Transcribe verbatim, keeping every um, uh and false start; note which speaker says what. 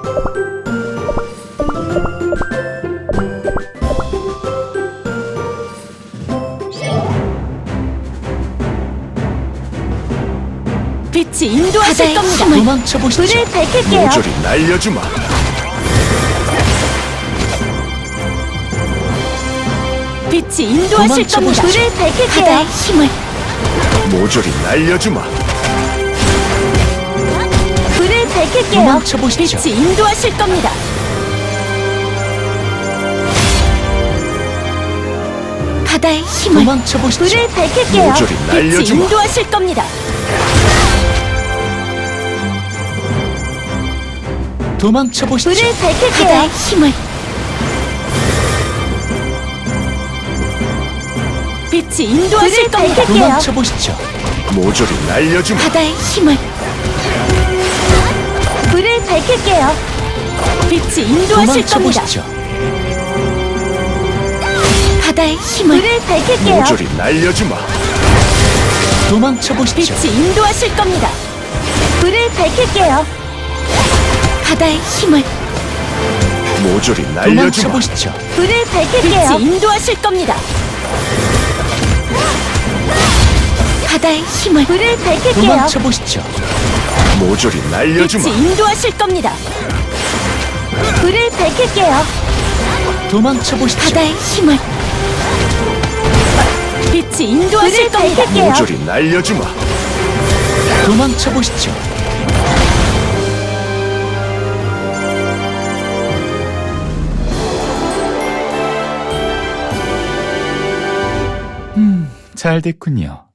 Speaker 1: 빛이 인도하실 겁니다.
Speaker 2: 도망쳐 보시죠.
Speaker 1: 불을 밝힐게요.
Speaker 3: 모조리 날려주마.
Speaker 1: 빛이 인도하실
Speaker 2: 도망쳐
Speaker 1: 겁니다.
Speaker 2: 보시죠.
Speaker 1: 불을 밝힐게요. 바다의 힘을.
Speaker 3: 모조리 날려주마.
Speaker 1: 불을 밝힐게요.
Speaker 2: 도망쳐 보시죠.
Speaker 1: 빛이 인도하실 겁니다. 바다의 힘을.
Speaker 2: 도망쳐 보시죠.
Speaker 1: 불을 밝힐게요.
Speaker 3: 모조리
Speaker 1: 빛이
Speaker 3: 날려주마.
Speaker 1: 인도하실 겁니다.
Speaker 2: 도망쳐 보시죠.
Speaker 1: 불을 밝힐게요. 바다의 힘을. 빛이 인도하실 겁니다.
Speaker 2: 도망쳐 보시죠.
Speaker 3: 모조리 날려주마.
Speaker 1: 바다의 힘을. 불을 밝힐게요. 빛이 인도하실
Speaker 2: 도망쳐
Speaker 1: 겁니다.
Speaker 2: 보시죠.
Speaker 1: 바다의 힘을. 불을 밝힐게요.
Speaker 3: 모조리 날려주마.
Speaker 2: 도망쳐 보시죠.
Speaker 1: 빛이 인도하실 겁니다. 불을 밝힐게요. 바다의 힘을.
Speaker 3: 모조리
Speaker 2: 도망쳐
Speaker 3: 날려주마.
Speaker 2: 보시죠.
Speaker 1: 불을 밝힐게요. 빛이 인도하실 겁니다. 바다의 힘을. 불을 밝힐게요.
Speaker 2: 도망쳐 보시죠.
Speaker 3: 모조리 날려주마.
Speaker 1: 빛이 인도하실 겁니다. 불을 밝힐게요.
Speaker 2: 도망쳐 보시죠.
Speaker 1: 바다의 힘을. 빛이 인도하실 겁니다.
Speaker 3: 모조리 날려주마.
Speaker 2: 도망쳐 보시죠. 음, 잘 됐군요.